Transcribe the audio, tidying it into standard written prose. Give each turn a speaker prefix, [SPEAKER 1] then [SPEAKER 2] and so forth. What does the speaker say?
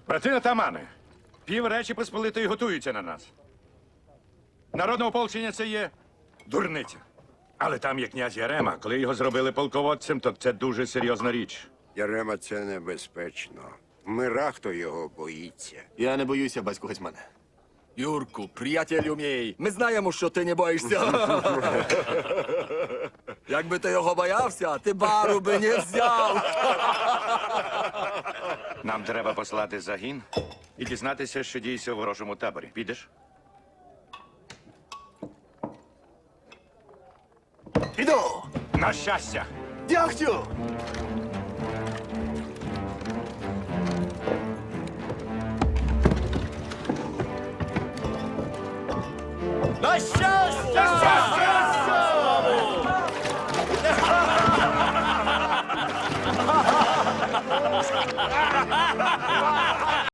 [SPEAKER 1] Брати атамани, пів Речі Посполитої готуються на нас. Народне ополчення це є дурниця. Але там є князь Ярема. Коли його зробили полководцем, то це дуже серйозна річ.
[SPEAKER 2] Ярема, це небезпечно. Мирахто його боїться.
[SPEAKER 3] Я не боюся, батько гетьмане.
[SPEAKER 4] Юрку, приятелю мій, ми знаємо, що ти не боїшся. Якби ти його боявся, ти бару би не взяв.
[SPEAKER 1] Нам треба послати загін і дізнатися, що діється у ворожому таборі. Підеш?
[SPEAKER 3] Іду!
[SPEAKER 1] На щастя!
[SPEAKER 3] Дякую!
[SPEAKER 4] На щастя!